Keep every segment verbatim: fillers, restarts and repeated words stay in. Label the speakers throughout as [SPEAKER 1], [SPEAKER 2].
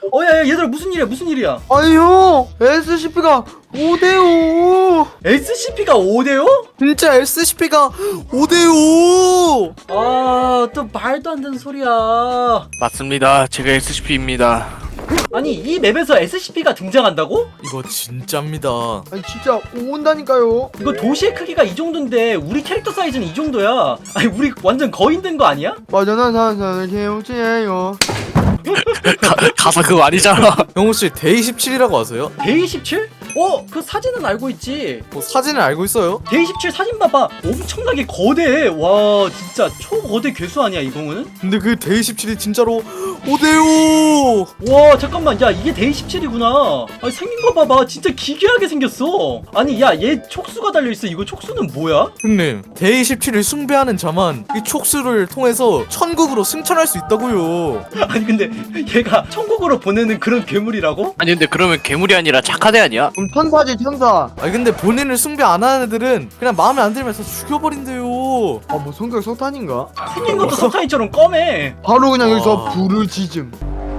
[SPEAKER 1] 어, 야, 야, 얘들아, 무슨 일이야, 무슨 일이야?
[SPEAKER 2] 아니 형 에스씨피가 오 대 오.
[SPEAKER 1] 에스씨피가 오 대요?
[SPEAKER 2] 진짜 에스씨피가 오 대 오.
[SPEAKER 1] 아, 또 말도 안 되는 소리야.
[SPEAKER 3] 맞습니다. 제가 에스씨피입니다.
[SPEAKER 1] 아니, 이 맵에서 에스씨피가 등장한다고?
[SPEAKER 4] 이거 진짜입니다.
[SPEAKER 2] 아니 진짜 온다니까요.
[SPEAKER 1] 이거 도시의 크기가 이 정도인데 우리 캐릭터 사이즈는 이 정도야. 아니, 우리 완전 거인 된 거 아니야?
[SPEAKER 2] 빠져난 산산을 개우치예요.
[SPEAKER 3] 가, 가사 그거 아니잖아.
[SPEAKER 4] 형우씨 데이 십칠이라고 아세요?
[SPEAKER 1] 데이 십칠? 어, 그 사진은 알고 있지.
[SPEAKER 4] 뭐 사진을 알고 있어요?
[SPEAKER 1] 데이 십칠 사진 봐봐. 엄청나게 거대해. 와, 진짜 초거대 괴수 아니야, 이거는?
[SPEAKER 4] 근데 그 데이 십칠이 진짜로 오 대 오.
[SPEAKER 1] 와, 잠깐만. 야, 이게 데이 십칠이구나. 아니, 생긴 거 봐봐. 진짜 기괴하게 생겼어. 아니, 야, 얘 촉수가 달려있어. 이거 촉수는 뭐야?
[SPEAKER 4] 형님 데이 십칠을 숭배하는 자만 이 촉수를 통해서 천국으로 승천할 수 있다고요.
[SPEAKER 1] 아니, 근데 얘가 천국으로 보내는 그런 괴물이라고?
[SPEAKER 3] 아니 근데 그러면 괴물이 아니라 착한 애 아니야?
[SPEAKER 2] 그럼 천사지 천사.
[SPEAKER 4] 아니 근데 본인을 숭배 안 하는 애들은 그냥 마음에 안 들면서 죽여버린대요.
[SPEAKER 2] 아 뭐 성격 석탄인가?
[SPEAKER 1] 생긴 것도 석탄이처럼 검해.
[SPEAKER 2] 바로 그냥
[SPEAKER 4] 와.
[SPEAKER 2] 여기서 불을 지즘.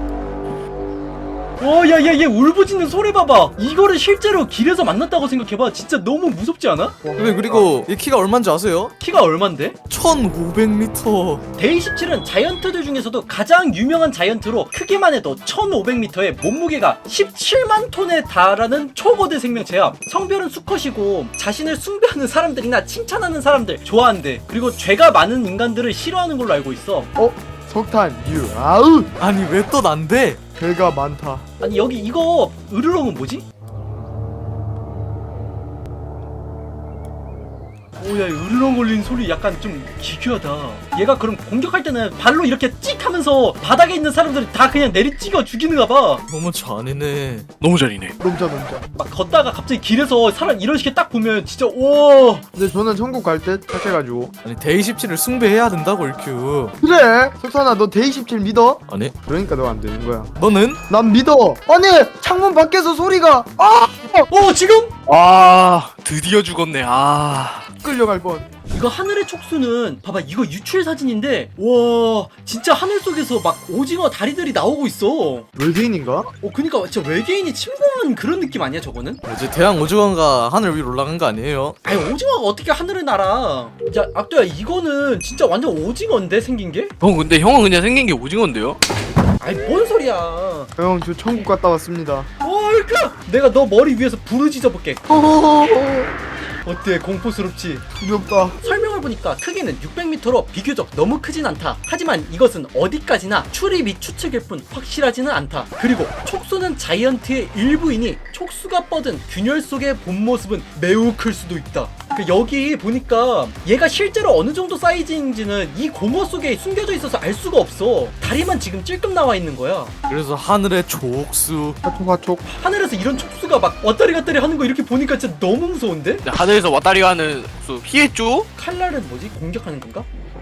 [SPEAKER 1] 어, 야, 야, 얘 울부짖는 소리 봐봐. 이거를 실제로 길에서 만났다고 생각해봐. 진짜 너무 무섭지 않아?
[SPEAKER 4] 근데 그리고 이 키가 얼마인지 아세요?
[SPEAKER 1] 키가 얼만데?
[SPEAKER 4] 천오백 미터.
[SPEAKER 1] 데이 십칠은 자이언트들 중에서도 가장 유명한 자이언트로 크기만 해도 천오백 미터에 몸무게가 십칠만 톤에 달하는 초거대 생명체야. 성별은 수컷이고 자신을 숭배하는 사람들이나 칭찬하는 사람들 좋아한대. 그리고 죄가 많은 인간들을 싫어하는 걸로 알고 있어.
[SPEAKER 2] 어 석탄 유 아우.
[SPEAKER 4] 아니 왜 또 난데?
[SPEAKER 2] 배가 많다.
[SPEAKER 1] 아니, 여기 이거 으르렁은 뭐지? 오야, 으르렁 걸린 소리 약간 좀 기괴하다. 얘가 그럼 공격할 때는 발로 이렇게 찍 하면서 바닥에 있는 사람들을 다 그냥 내리찍어 죽이는가 봐.
[SPEAKER 4] 너무 잔인해.
[SPEAKER 3] 너무 잘이네.
[SPEAKER 2] 넘자 넘자.
[SPEAKER 1] 막 걷다가 갑자기 길에서 사람 이런 식의 딱 보면 진짜 오.
[SPEAKER 2] 근데 저는 천국 갈 때 착해가지고.
[SPEAKER 4] 아니 데이 십칠을 숭배해야 된다고 일큐.
[SPEAKER 2] 그래 석탄아 너 데이 십칠 믿어?
[SPEAKER 4] 아니
[SPEAKER 2] 그러니까 너 안 되는 거야.
[SPEAKER 4] 너는?
[SPEAKER 2] 난 믿어. 아니 창문 밖에서 소리가 아
[SPEAKER 1] 어, 지금
[SPEAKER 3] 아 드디어 죽었네. 아
[SPEAKER 2] 끌려갈 뻔.
[SPEAKER 1] 이거 하늘의 촉수는 봐봐, 이거 유출 사진인데 와 진짜 하늘 속에서 막 오징어 다리들이 나오고 있어.
[SPEAKER 2] 외계인인가?
[SPEAKER 1] 어, 그니까 진짜 외계인이 침공한 그런 느낌 아니야 저거는?
[SPEAKER 4] 이제 대왕 오징어가 하늘 위로 올라간 거 아니에요?
[SPEAKER 1] 아니, 오징어가 어떻게 하늘을 날아? 야, 악도야, 이거는 진짜 완전 오징어인데 생긴 게?
[SPEAKER 3] 형 근데 형은 그냥 생긴 게 오징어인데요?
[SPEAKER 1] 아니, 뭔 소리야?
[SPEAKER 2] 형 저 천국 갔다 왔습니다.
[SPEAKER 1] 얼까? 내가 너 머리 위에서 부르짖어 볼게.
[SPEAKER 2] 호호호호.
[SPEAKER 1] 어때? 공포스럽지?
[SPEAKER 2] 두렵다.
[SPEAKER 1] 설명을 보니까 크기는 육백 미터로 비교적 너무 크진 않다. 하지만 이것은 어디까지나 추리 및 추측일 뿐 확실하지는 않다. 그리고 촉수는 자이언트의 일부이니 촉수가 뻗은 균열 속의 본 모습은 매우 클 수도 있다. 그 여기 보니까 얘가 실제로 어느 정도 사이즈인지는 이 고무 속에 숨겨져 있어서 알 수가 없어. 다리만 지금 찔끔 나와 있는 거야.
[SPEAKER 4] 그래서 하늘의 족수.
[SPEAKER 2] 하촉 하촉.
[SPEAKER 1] 하늘에서 이런 촉수가 막 왔다리 갔다리 하는 거 이렇게 보니까 진짜 너무 무서운데?
[SPEAKER 3] 근데 하늘에서 왔다리 가는 수 피했죠?
[SPEAKER 1] 칼날은 뭐지? 공격하는 건가?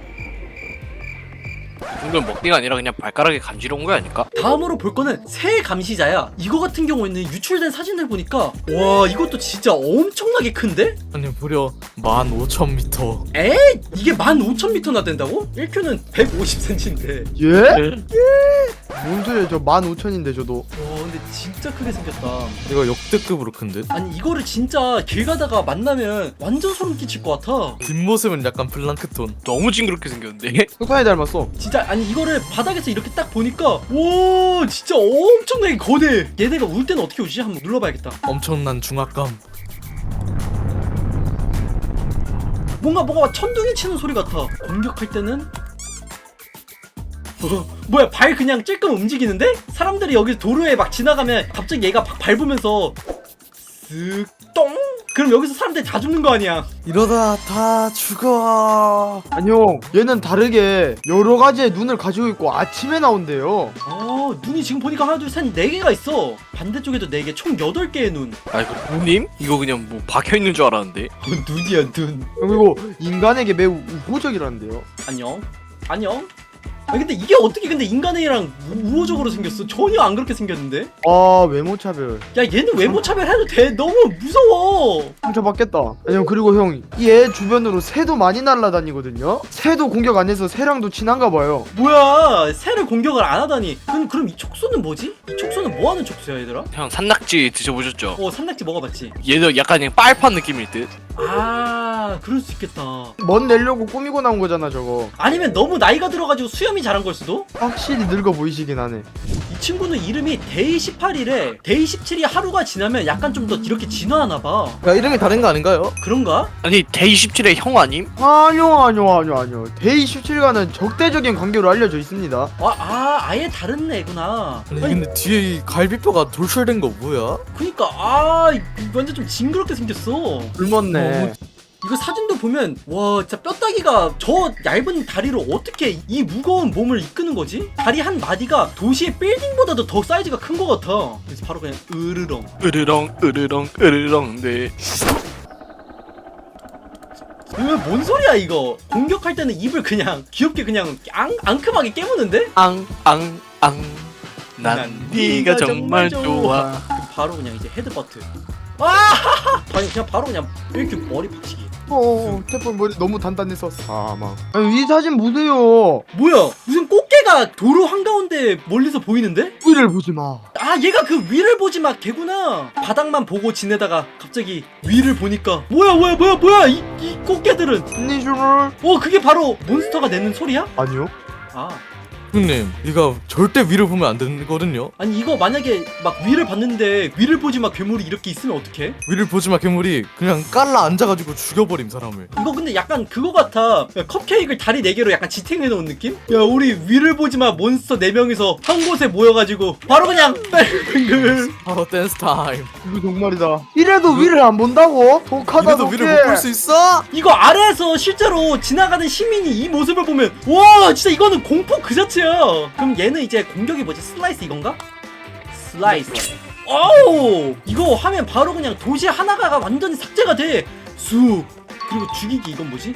[SPEAKER 3] 이건 먹기가 아니라 그냥 발가락에 간지러운 거 아닐까?
[SPEAKER 1] 다음으로 볼 거는 새 감시자야. 이거 같은 경우에는 유출된 사진을 보니까 와, 이것도 진짜 엄청나게 큰데?
[SPEAKER 4] 아니 무려 만 오천 미터.
[SPEAKER 1] 에? 이게 만 오천 미터나 된다고? 일 큐는 백오십 센티미터인데.
[SPEAKER 2] 예? 뭔 소리야 저 만 오천인데 저도.
[SPEAKER 1] 와, 근데 진짜 크게 생겼다.
[SPEAKER 4] 이거 역대급으로 큰 듯?
[SPEAKER 1] 아니, 이거를 진짜 길 가다가 만나면 완전 소름 끼칠 것 같아.
[SPEAKER 4] 뒷모습은 약간 블랑크톤.
[SPEAKER 3] 너무 징그럽게 생겼는데?
[SPEAKER 2] 석탄이 닮았어.
[SPEAKER 1] 진짜 아니, 이거를 바닥에서 이렇게 딱 보니까 와, 진짜 엄청나게 거대. 얘네가 울 때는 어떻게 우지? 한번 눌러봐야겠다.
[SPEAKER 4] 엄청난 중압감.
[SPEAKER 1] 뭔가 뭐가 천둥이 치는 소리 같아. 공격할 때는 어, 뭐야, 발 그냥 찔끔 움직이는데? 사람들이 여기 도로에 막 지나가면 갑자기 얘가 막 밟으면서 쓱 똥? 그럼 여기서 사람들이 다 죽는 거 아니야?
[SPEAKER 4] 이러다 다 죽어.
[SPEAKER 2] 아니 형 얘는 다르게 여러 가지의 눈을 가지고 있고 아침에 나온대요.
[SPEAKER 1] 어, 눈이 지금 보니까 하나, 둘, 셋, 네 개가 있어. 반대쪽에도 네 개, 총 여덟 개의 눈.
[SPEAKER 3] 아이고 누님? 이거 그냥 뭐 박혀있는 줄 알았는데.
[SPEAKER 1] 어, 눈이야, 눈.
[SPEAKER 2] 그리고 인간에게 매우 우호적이라는데요.
[SPEAKER 1] 안녕. 안녕. 아 근데 이게 어떻게 근데 인간의 애랑 우- 우호적으로 생겼어? 전혀 안 그렇게 생겼는데?
[SPEAKER 2] 아 외모 차별.
[SPEAKER 1] 야 얘는 외모 차별해도 돼. 너무 무서워.
[SPEAKER 2] 상처받겠다. 아니요 그리고 형 이 애 주변으로 새도 많이 날아다니거든요. 새도 공격 안 해서 새랑도 친한가 봐요.
[SPEAKER 1] 뭐야 새를 공격을 안 하다니. 그럼 그럼 이 촉수는 뭐지? 이 촉수는 뭐 하는 촉수야 얘들아?
[SPEAKER 3] 형 산낙지 드셔보셨죠?
[SPEAKER 1] 어 산낙지 먹어봤지?
[SPEAKER 3] 얘도 약간 그냥 빨판 느낌일 듯.
[SPEAKER 1] 아 그럴 수 있겠다.
[SPEAKER 2] 멋 내려고 꾸미고 나온 거잖아 저거.
[SPEAKER 1] 아니면 너무 나이가 들어가지고 수염이 자란 걸 수도?
[SPEAKER 2] 확실히 늙어 보이시긴 하네.
[SPEAKER 1] 이 친구는 이름이 데이 십팔 일에 데이 십칠 이 하루가 지나면 약간 좀 더 이렇게 진화하나 봐.
[SPEAKER 4] 야 이름이 다른 거 아닌가요?
[SPEAKER 1] 그런가?
[SPEAKER 3] 아니 데이 십칠의 형 아님?
[SPEAKER 2] 아니요 아니요 아니요 아니요. 데이 십칠과는 적대적인 관계로 알려져 있습니다.
[SPEAKER 1] 아, 아 아예 다른 애구나.
[SPEAKER 4] 아니
[SPEAKER 1] 아니
[SPEAKER 4] 근데 뒤에 이 갈비뼈가 돌출된 거 뭐야?
[SPEAKER 1] 그니까 아 이거 완전 좀 징그럽게 생겼어.
[SPEAKER 2] 굶었네.
[SPEAKER 1] 이거 사진도 보면 와 진짜 뼈다귀가 저 얇은 다리로 어떻게 이 무거운 몸을 이끄는 거지? 다리 한 마디가 도시의 빌딩보다도 더 사이즈가 큰 것 같아. 그래서 바로 그냥 으르렁.
[SPEAKER 3] 으르렁 으르렁 으르렁 네.
[SPEAKER 1] 이거 뭔 소리야 이거? 공격할 때는 입을 그냥 귀엽게 그냥 앙, 앙큼하게 깨무는데?
[SPEAKER 3] 앙앙앙 난 네가 정말 좋아.
[SPEAKER 1] 그럼 바로 그냥 이제 헤드버트. 아! 아니 그냥 바로 그냥 이렇게 머리 박치기.
[SPEAKER 2] 어 태풍 머리 너무 단단해서 사망. 아니 이 사진 보세요.
[SPEAKER 1] 뭐야? 무슨 꽃게가 도로 한가운데 멀리서 보이는데?
[SPEAKER 2] 위를 보지 마.
[SPEAKER 1] 아 얘가 그 위를 보지 마 개구나. 바닥만 보고 지내다가 갑자기 위를 보니까 뭐야 뭐야 뭐야 뭐야 이, 이 꽃게들은
[SPEAKER 2] 니슈를
[SPEAKER 1] 어 그게 바로 몬스터가 내는 소리야?
[SPEAKER 2] 아니요.
[SPEAKER 1] 아
[SPEAKER 4] 형님 이거 절대 위를 보면 안 되거든요.
[SPEAKER 1] 아니 이거 만약에 막 위를 봤는데 위를 보지 마 괴물이 이렇게 있으면 어떡해?
[SPEAKER 4] 위를 보지 마 괴물이 그냥 깔라 앉아가지고 죽여버림 사람을.
[SPEAKER 1] 이거 근데 약간 그거 같아. 야, 컵케이크를 다리 네 개로 약간 지탱해 놓은 느낌? 야 우리 위를 보지 마 몬스터 네 명이서 한 곳에 모여가지고 바로 그냥 뱅글.
[SPEAKER 4] 바로 댄스 타임.
[SPEAKER 2] 이거 정말이다. 이래도 위를 안 본다고? 독하다
[SPEAKER 4] 이래도
[SPEAKER 2] 독해.
[SPEAKER 4] 위를 못 볼 수 있어?
[SPEAKER 1] 이거 아래에서 실제로 지나가는 시민이 이 모습을 보면 와 진짜 이거는 공포 그 자체야. 그럼 얘는 이제 공격이 뭐지? 슬라이스 이건가? 슬라이스. 어우 이거 하면 바로 그냥 도시 하나가 완전히 삭제가 돼. 쑥. 그리고 죽이기 이건 뭐지?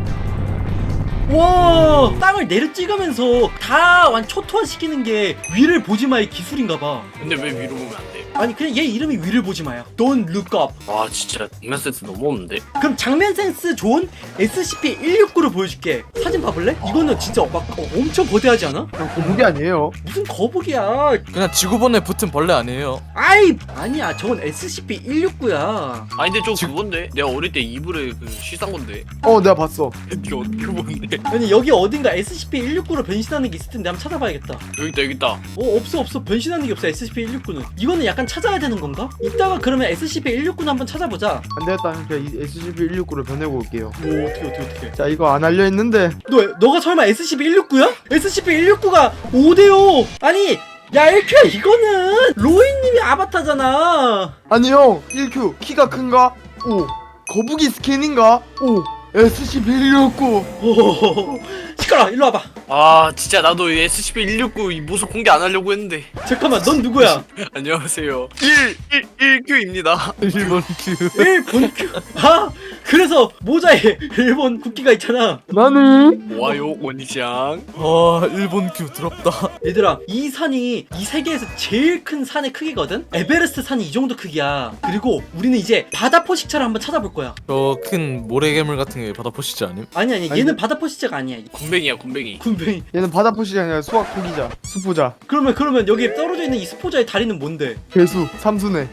[SPEAKER 1] 와 땅을 내려 찍으면서 다 완 초토화시키는 게 위를 보지 마의 기술인가봐.
[SPEAKER 3] 근데 왜 위로 보면 안 돼?
[SPEAKER 1] 아니 그냥 얘 이름이 위를 보지 마야. Don't look up.
[SPEAKER 3] 와 진짜 장면 센스 너무 없는데?
[SPEAKER 1] 그럼 장면 센스 좋은 에스시피 일육구를 보여줄게. 사진 봐볼래? 이거는 진짜 막 어, 엄청 거대하지 않아?
[SPEAKER 2] 그냥 거북이 아니에요.
[SPEAKER 1] 무슨 거북이야.
[SPEAKER 4] 그냥 지구본에 붙은 벌레 아니에요?
[SPEAKER 1] 아이 아니야 저건 에스시피 일육구야.
[SPEAKER 3] 아니 근데 저 그건데? 내가 어릴 때 이불에 그 씻은 건데.
[SPEAKER 2] 어 내가 봤어.
[SPEAKER 3] 이게 어떻게 보는데?
[SPEAKER 1] 아니 여기 어딘가 에스시피 일육구로 변신하는 게 있을 텐데 한번 찾아봐야겠다.
[SPEAKER 3] 여기 있다 여기 있다.
[SPEAKER 1] 어 없어 없어 변신하는 게 없어 에스시피 일육구는. 이거는 약간 찾아야 되는 건가? 이따가 그러면 에스시피 일육구는 한번 찾아보자.
[SPEAKER 2] 안 되겠다. 그냥 이 에스시피 일육구를 보내고 올게요.
[SPEAKER 1] 오 어떻게 어떻게 어떻게.
[SPEAKER 2] 자 이거 안 알려 있는데.
[SPEAKER 1] 너 너가 설마 에스시피 일육구야? 에스시피 일육구가 오 대오. 아니 야 일큐야 이거는 로이님이 아바타잖아.
[SPEAKER 2] 아니 형 일 큐 키가 큰가? 오. 거북이 스킨인가? 오. 에스시피 일육구.
[SPEAKER 1] 오 시끄러 일로 와봐.
[SPEAKER 3] 아 진짜 나도 이 에스시피 일육구 이 모습 공개 안 하려고 했는데.
[SPEAKER 1] 잠깐만 넌 누구야?
[SPEAKER 3] 안녕하세요. 일, 일, 일 큐입니다.
[SPEAKER 4] 일본 큐.
[SPEAKER 1] 일본 큐. 아 그래서 모자에 일본 국기가 있잖아.
[SPEAKER 2] 나는
[SPEAKER 3] 와요 원이장.
[SPEAKER 4] 아 일본 큐 더럽다.
[SPEAKER 1] 얘들아 이 산이 이 세계에서 제일 큰 산의 크기거든? 에베레스트 산이 이 정도 크기야. 그리고 우리는 이제 바다 포식자를 한번 찾아볼 거야.
[SPEAKER 4] 저 큰 모래괴물 같은 게 바다 포시지 않음?
[SPEAKER 1] 아니 아니
[SPEAKER 2] 아니,
[SPEAKER 1] 얘는 바다 포식자가 아니야.
[SPEAKER 3] 군뱅이야 군뱅이.
[SPEAKER 1] 군뱅이.
[SPEAKER 2] 얘는 바다 포식이 아니라 수학 포기자. 수포자.
[SPEAKER 1] 그러면 그러면 여기 떨어져 있는 이 스포자의 다리는 뭔데?
[SPEAKER 2] 개수. 삼순회.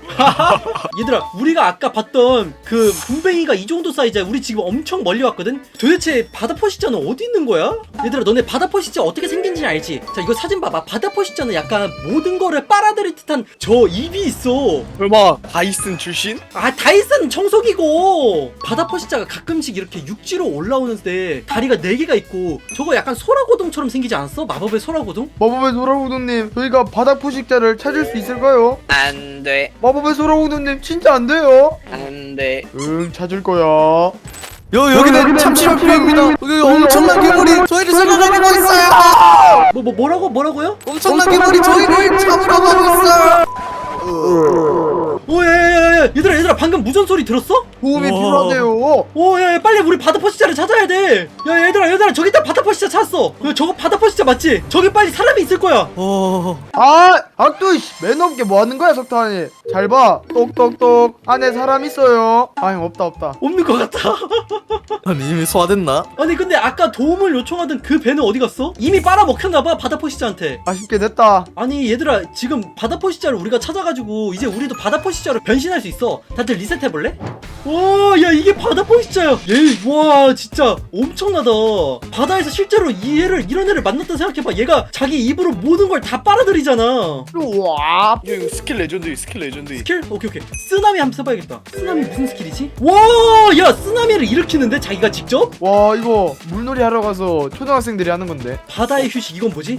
[SPEAKER 1] 얘들아 우리가 아까 봤던 그 군뱅이가 이 정도 사이즈야. 우리 지금 엄청 멀리 왔거든? 도대체 바다 포식자는 어디 있는 거야? 얘들아 너네 바다 포식자 어떻게 생긴지 알지? 자 이거 사진 봐봐. 바다 포식자는 약간 모든 거를 빨아들일 듯한 저 입이 있어.
[SPEAKER 3] 설마 다이슨 출신?
[SPEAKER 1] 아 다이슨 청소기고. 바다 포식자가 가끔씩 이렇게 육지로 올라오는데 다리가 네 개가 있고 저거 약간 소라고동처럼 생기지 않았어? 마법의 소라고동?
[SPEAKER 2] 마법의 소라우도님 저희가 바다 포식자를 찾을 수 있을까요?
[SPEAKER 3] 안돼
[SPEAKER 2] 마법의 소라우도님 진짜 안 돼요?
[SPEAKER 3] 안돼.
[SPEAKER 2] 응 찾을 거야.
[SPEAKER 4] 여
[SPEAKER 2] 여기는
[SPEAKER 4] 여기는 참치랑 뷰입니다. 여기 엄청난 괴물이 저희를 잡아가고 있어요.
[SPEAKER 1] 뭐, 뭐 뭐라고 뭐라고요?
[SPEAKER 4] 엄청난 괴물이 저희를 잡으러 가고 있어요.
[SPEAKER 1] 오야야야 얘들아 얘들아 방금 무전 소리 들었어?
[SPEAKER 2] 도움이
[SPEAKER 4] 우와.
[SPEAKER 2] 필요하대요.
[SPEAKER 1] 오, 야, 야, 빨리 우리 바다 포시자를 찾아야 돼. 야, 얘들아, 얘들아, 저기 있다 바다 포시자 찾았어. 야, 저거 바다 포시자 맞지? 저기 빨리 사람이 있을 거야.
[SPEAKER 4] 어...
[SPEAKER 2] 아, 악도 매너 없게 뭐 하는 거야, 석탄이? 잘 봐. 똑똑똑. 안에 사람 있어요. 아니, 없다, 없다.
[SPEAKER 1] 없는 것 같아.
[SPEAKER 4] 아니 이미 소화됐나?
[SPEAKER 1] 아니, 근데 아까 도움을 요청하던 그 배는 어디 갔어? 이미 빨아먹혔나봐, 바다 포시자한테.
[SPEAKER 2] 아쉽게 됐다.
[SPEAKER 1] 아니, 얘들아, 지금 바다 포시자를 우리가 찾아가지고 이제 우리도 바다 포시자로 변신할 수 있어. 다들 리셋해볼래? 와, 야, 이게 바다 포시자야. 얘, 와, 진짜 엄청나다. 바다에서 실제로 이 애를, 이런 애를 만났다 생각해봐. 얘가 자기 입으로 모든 걸 다 빨아들이잖아.
[SPEAKER 2] 우와.
[SPEAKER 3] 야, 이거 스킬 레전드 스킬 레전드.
[SPEAKER 1] 스킬? 오케이, 오케이. 쓰나미 한번 써봐야겠다. 쓰나미 무슨 스킬이지? 와, 야, 쓰나미를 일으키는데 자기가 직접?
[SPEAKER 2] 와, 이거 물놀이 하러 가서 초등학생들이 하는 건데.
[SPEAKER 1] 바다의 휴식, 이건 뭐지?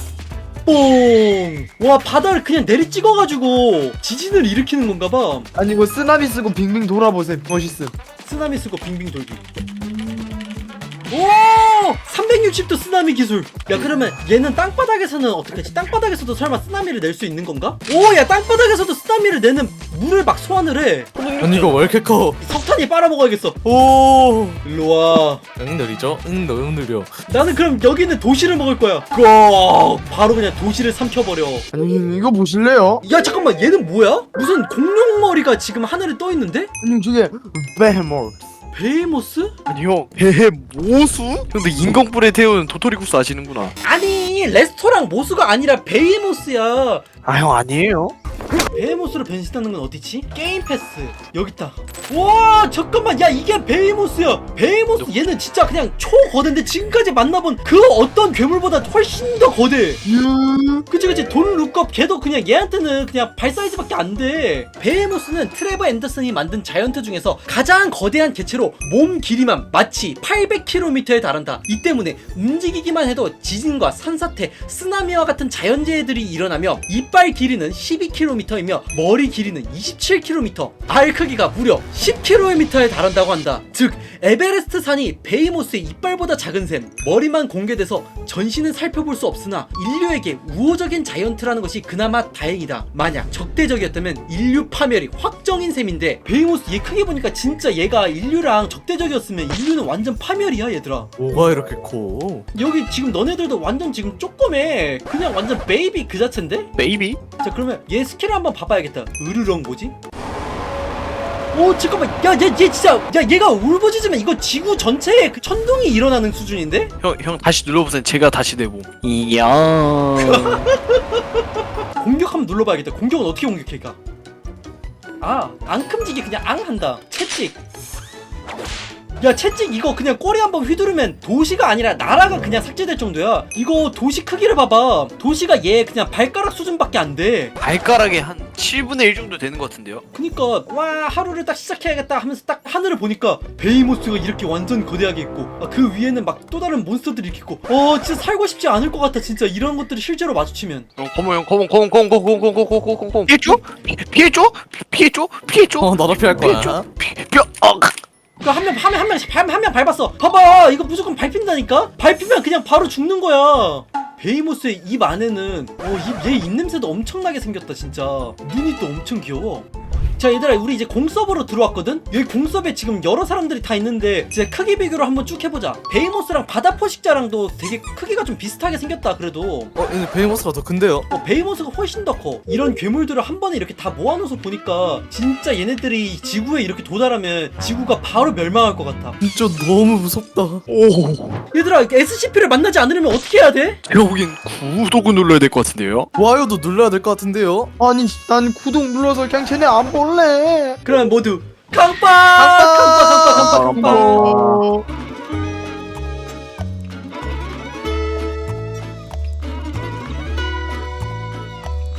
[SPEAKER 1] 뽕! 와, 바다를 그냥 내리 찍어가지고 지진을 일으키는 건가봐.
[SPEAKER 2] 아니, 이거 쓰나미 쓰고 빙빙 돌아보세요. 멋있음.
[SPEAKER 1] 쓰나미 쓰고 빙빙 돌기. 오! 삼백육십 도 쓰나미 기술. 야, 그러면 얘는 땅바닥에서는 어떻게 하지? 땅바닥에서도 설마 쓰나미를 낼 수 있는 건가? 오, 야, 땅바닥에서도 쓰나미를 내는 물을 막 소환을 해.
[SPEAKER 4] 아니 이거 왜 이렇게 커?
[SPEAKER 1] 석탄이 빨아먹어야겠어.
[SPEAKER 4] 오...
[SPEAKER 1] 일로 와.
[SPEAKER 4] 응 느리죠? 응 너무 느려.
[SPEAKER 1] 나는 그럼 여기 있는 도시를 먹을 거야. 고! 바로 그냥 도시를 삼켜버려.
[SPEAKER 2] 아니, 이거 보실래요?
[SPEAKER 1] 야, 잠깐만, 얘는 뭐야? 무슨 공룡 머리가 지금 하늘에 떠 있는데?
[SPEAKER 2] 아니, 저게 베헤모스.
[SPEAKER 1] 베이모스?
[SPEAKER 3] 아니 형, 배 모수? 근데 인공불에 태우는 도토리국수 아시는구나.
[SPEAKER 1] 아니, 레스토랑 모수가 아니라 베이모스야.
[SPEAKER 3] 아 형 아니에요?
[SPEAKER 1] 베이모스로 변신하는 건 어디지? 게임 패스 여기 있다. 와, 잠깐만, 야, 이게 베이모스야. 베이모스 얘는 진짜 그냥 초거대인데 지금까지 만나본 그 어떤 괴물보다 훨씬 더 거대.
[SPEAKER 2] 유.
[SPEAKER 1] 그치, 그치. 돈 룩업 걔도 그냥 얘한테는 그냥 발 사이즈밖에 안 돼. 베이모스는 트레버 앤더슨이 만든 자이언트 중에서 가장 거대한 개체로 몸 길이만 마치 팔백 킬로미터에 달한다. 이 때문에 움직이기만 해도 지진과 산사태, 쓰나미와 같은 자연재해들이 일어나며 이빨 길이는 십이 킬로미터이며 머리 길이는 이십칠 킬로미터, 알 크기가 무려 십 킬로미터에 달한다고 한다. 즉 에베레스트 산이 베이모스의 이빨보다 작은 셈. 머리만 공개돼서 전신은 살펴볼 수 없으나 인류에게 우호적인 자이언트라는 것이 그나마 다행이다. 만약 적대적이었다면 인류 파멸이 확정인 셈인데, 베이모스 얘 크게 보니까 진짜 얘가 인류랑 적대적이었으면 인류는 완전 파멸이야, 얘들아.
[SPEAKER 4] 뭐가 이렇게 커?
[SPEAKER 1] 여기 지금 너네들도 완전 지금 쪼꼬매. 그냥 완전 베이비 그 자체인데?
[SPEAKER 3] 베이비?
[SPEAKER 1] 자, 그러면 얘 스킬을 한번 봐봐야겠다. 으르렁 뭐지? 오, 잠깐만, 야, 얘, 얘 진짜, 야, 얘가 울부짖으면 이거 지구 전체에 그 천둥이 일어나는 수준인데?
[SPEAKER 3] 형, 형 다시 눌러보세요. 제가 다시 내보. 이야.
[SPEAKER 1] 공격 한번 눌러봐야겠다. 공격은 어떻게 공격해, 얘가? 아, 앙큼지게 그냥 앙 한다. 채찍. 야, 채찍 이거 그냥 꼬리 한번 휘두르면 도시가 아니라 나라가 그냥 삭제될 정도야. 이거 도시 크기를 봐봐. 도시가 얘 그냥 발가락 수준밖에 안 돼.
[SPEAKER 3] 발가락에 한 칠분의 일 정도 되는 것 같은데요?
[SPEAKER 1] 그니까 와, 하루를 딱 시작해야겠다 하면서 딱 하늘을 보니까 베이모스가 이렇게 완전 거대하게 있고, 아, 그 위에는 막 또 다른 몬스터들이 이렇게 있고, 어, 진짜 살고 싶지 않을 것 같아. 진짜 이런 것들이 실제로 마주치면.
[SPEAKER 3] 형, 컴온 형, 컴온, 컴온, 컴온, 컴온, 컴온, 컴온, 컴온, 컴온, 컴온. 피해줘? 피- 피해줘? 피- 피해줘? 피해줘?
[SPEAKER 4] 어 나도 피할 거야.
[SPEAKER 3] 피해줘? 피- 뼈, 어.
[SPEAKER 1] 그 한 명, 한 명, 한 명, 한 명 밟았어. 봐봐, 이거 무조건 밟힌다니까? 밟히면 그냥 바로 죽는 거야. 베이모스의 입 안에는, 어, 입, 얘 입냄새도 엄청나게 생겼다, 진짜. 눈이 또 엄청 귀여워. 자, 얘들아, 우리 이제 공서버로 들어왔거든? 여기 공서버에 지금 여러 사람들이 다 있는데, 이제 크기 비교를 한번 쭉 해보자. 베이모스랑 바다 포식자랑도 되게 크기가 좀 비슷하게 생겼다, 그래도.
[SPEAKER 4] 어 근데 베이모스가 더 큰데요?
[SPEAKER 1] 어, 베이모스가 훨씬 더 커. 이런 괴물들을 한 번에 이렇게 다 모아놓아서 보니까 진짜 얘네들이 지구에 이렇게 도달하면 지구가 바로 멸망할 것 같아.
[SPEAKER 4] 진짜 너무 무섭다.
[SPEAKER 3] 오.
[SPEAKER 1] 얘들아, 에스씨피를 만나지 않으려면 어떻게 해야 돼?
[SPEAKER 3] 제가 보기엔 구독을 눌러야 될 것 같은데요?
[SPEAKER 4] 좋아요도 눌러야 될 것 같은데요?
[SPEAKER 2] 아니, 난 구독 눌러서 그냥 쟤네 안 볼래.
[SPEAKER 1] 그러면 모두 강빠! 강빠, 강빠, 강빠, 강빠!
[SPEAKER 2] 어.